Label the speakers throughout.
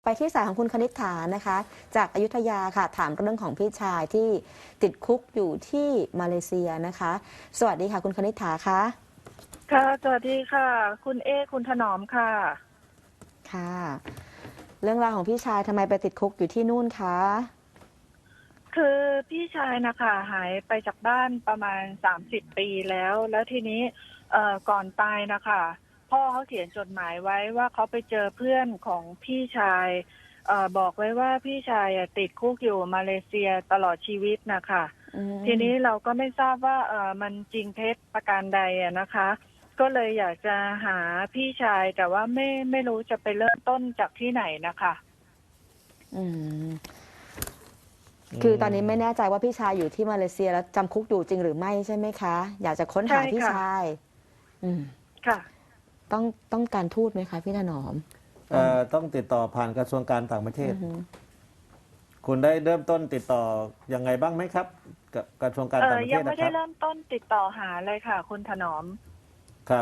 Speaker 1: ที่สายของคุณคณิษฐานะคะจากอยุธยาค่ะถามเรื่องของพี่ชายที่ติดคุกอยู่ที่มาเลเซียนะคะสวัสดีค่ะคุณคณิษฐาคะ
Speaker 2: ค่ะสวัสดีค่ะ คุณคุณถนอมค่ะ
Speaker 1: ค่ะเรื่องราวของพี่ชายทำไมไปติดคุกอยู่ที่นู่นคะ
Speaker 2: คือพี่ชายนะคะหายไปจากบ้านประมาณ30 ปีแล้วทีนี้ก่อนตายนะคะพ่อเขาเขียนจดหมายไว้ว่าเขาไปเจอเพื่อนของพี่ชายบอกไว้ว่าพี่ชายติดคุกอยู่มาเลเซียตลอดชีวิตนะคะ
Speaker 1: อื
Speaker 2: ทีนี้
Speaker 1: ม
Speaker 2: เราก็ไม่ทราบว่ามันจริงเท็จประการใดนะคะก็เลยอยากจะหาพี่ชายแต่ว่าไม่รู้จะไปเริ่มต้นจากที่ไหนนะคะ
Speaker 1: อืมคือตอนนี้ไม่แน่ใจว่าพี่ชายอยู่ที่มาเลเซียแล้วจำคุกอยู่จริงหรือไม่ใช่ไหมคะอยากจะค้น
Speaker 2: ใช่
Speaker 1: หาพี่
Speaker 2: ค่ะ
Speaker 1: ชายอืม
Speaker 2: ค่ะ
Speaker 1: ต้องการทูตไหมคะพี่ถนอม
Speaker 3: ต้องติดต่อผ่านกระทรวงการต่างประเทศ
Speaker 1: อือฮึ
Speaker 3: คุณได้เริ่มต้นติดต่อยังไงบ้างไหมครับกับกระทรวงการต่างประเท
Speaker 2: ยัง
Speaker 3: ศนะครับ
Speaker 2: ไม่ได้เริ่มต้นติดต่อหาเลยค่ะคุณถนอม
Speaker 3: ครับ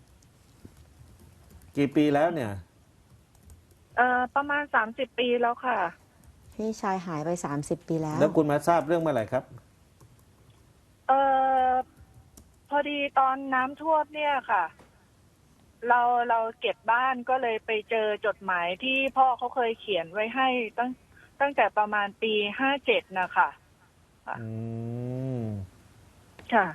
Speaker 3: กี่ปีแล้วเนี่ย
Speaker 2: ประมาณ30 ปีแล้วค่ะ
Speaker 1: พี่ชายหายไป30 ปีแล้ว
Speaker 3: แล้วคุณมาทราบเรื่องเมื่อไหร่ครับ
Speaker 2: เอ่อพอดีตอนน้ำท่วมเนี่ยค่ะ เราเก็บบ้านก็เลยไปเจอจดหมายที่พ่อเขาเคยเขียนไว้ให้ตั้งแต่ประมาณปี57นะคะ
Speaker 3: อืม
Speaker 2: ค่ะ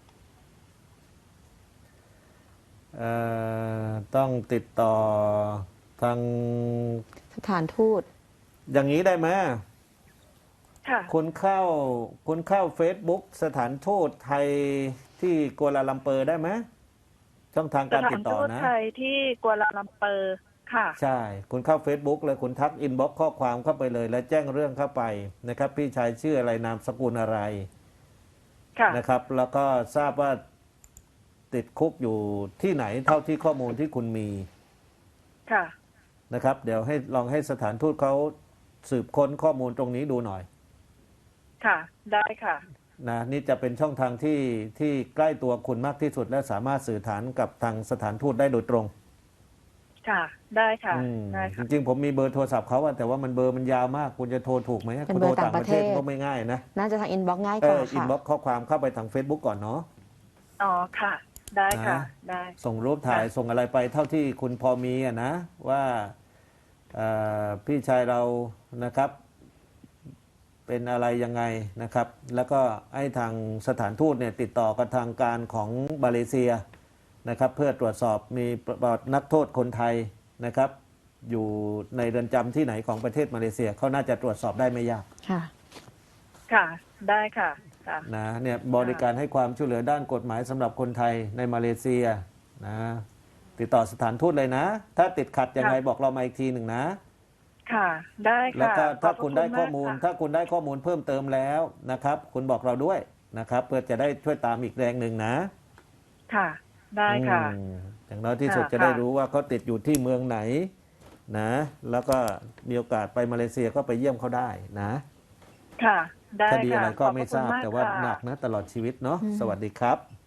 Speaker 3: เอ่ต้องติดต่อทาง
Speaker 1: สถานทูต
Speaker 3: อย่างนี้ได้ไหม
Speaker 2: ค่ะ
Speaker 3: คุณเข้า Facebook สถานทูตไทยที่กัวลาลัมเปอร์ได้ไหมช่องทาง
Speaker 2: ส
Speaker 3: การติ
Speaker 2: ถานทูต
Speaker 3: ดต่อนะ
Speaker 2: ไทยที่กัวลาลัมเปอร์ค่ะ
Speaker 3: ใช่ คุณเข้า Facebook เลยคุณทักอินบ็อกข้อความเข้าไปเลย แล้วแจ้งเรื่องเข้าไปนะครับ พี่ชายชื่ออะไรนามสกุลอะไร
Speaker 2: ค่ะ
Speaker 3: นะครับ แล้วก็ทราบว่าติดคุกอยู่ที่ไหนเท่าที่ข้อมูลที่คุณมี
Speaker 2: ค่ะ
Speaker 3: นะครับ เดี๋ยวให้ลองให้สถานทูตเขาสืบค้นข้อมูลตรงนี้ดูหน่อย
Speaker 2: ค่ะได้ค่ะ
Speaker 3: นะนี่จะเป็นช่องทางที่ใกล้ตัวคุณมากที่สุดและสามารถสื่อสารกับทางสถานทูตได้โดยตรง
Speaker 2: ค่ะได้ค่ะได้
Speaker 3: จ
Speaker 2: ค่ะ
Speaker 3: ริงๆผมมีเบอร์โทรศัพท์เขาอะแต่ว่ามันเบอร์มันยาวมากคุณจะโทรถูกไหม
Speaker 1: เป็น
Speaker 3: คุณโทร
Speaker 1: เบอร์ต่า
Speaker 3: ต่างประเทศ
Speaker 1: งประเทศ
Speaker 3: ก็ไม่ง่ายนะ
Speaker 1: น่าจะทางอินบ็อกซ์ง่ายกว่า
Speaker 3: อิน
Speaker 1: ค่ะ
Speaker 3: บ็อกข้อความเข้าไปทาง Facebook ก่อนเนาะ
Speaker 2: อ๋อค่ะได้ค่ะ
Speaker 3: นะ
Speaker 2: ได้
Speaker 3: ส่งรูปถ่าย
Speaker 2: ค่ะ
Speaker 3: ส่งอะไรไปเท่าที่คุณพอมีอะนะว่าพี่ชายเรานะครับเป็นอะไรยังไงนะครับ แล้วก็ให้ทางสถานทูตเนี่ยติดต่อกับทางการของมาเลเซียนะครับเพื่อตรวจสอบมีประวัตินักโทษคนไทยนะครับอยู่ในเรือนจำที่ไหนของประเทศมาเลเซียเขาน่าจะตรวจสอบได้ไม่ยาก
Speaker 1: ค่ะ
Speaker 2: ค่ะได้ค่ะค่ะ
Speaker 3: นะเนี่ยบริการให้ความช่วยเหลือด้านกฎหมายสำหรับคนไทยในมาเลเซียนะติดต่อสถานทูตเลยนะถ้าติดขัดยังไงบอกเรามาอีกทีหนึ่งนะ
Speaker 2: ค่ะได้ค่ะ
Speaker 3: แล้วก็ถ้าคุณได้ข้อมูล
Speaker 2: ขบพระณมากค่ะ
Speaker 3: ถ้าคุณได้ข้อมูลเพิ่มเติมแล้วนะครับคุณบอกเราด้วยนะครับเพื่อจะได้ช่วยตามอีกแรงหนึ่งนะ
Speaker 2: ค่ะได้ค่ะ
Speaker 3: อย่างน้อยที่สุด
Speaker 2: ค่ะ
Speaker 3: จะได้รู้ว่าเขาติดอยู่ที่เมืองไหนนะแล้วก็มีโอกาสไปมาเลเซียก็ไปเยี่ยมเขาได้นะ
Speaker 2: ค่ะได้
Speaker 3: คดี
Speaker 2: ค่ะ
Speaker 3: อะไรก็
Speaker 2: ขอบพ
Speaker 3: ไม่
Speaker 2: ระคุณมาก
Speaker 3: ทราบแต่ว่า
Speaker 2: ค่ะ
Speaker 3: หนักนะตลอดชีวิตเนาะ
Speaker 1: อืม
Speaker 3: สวัสดีครับ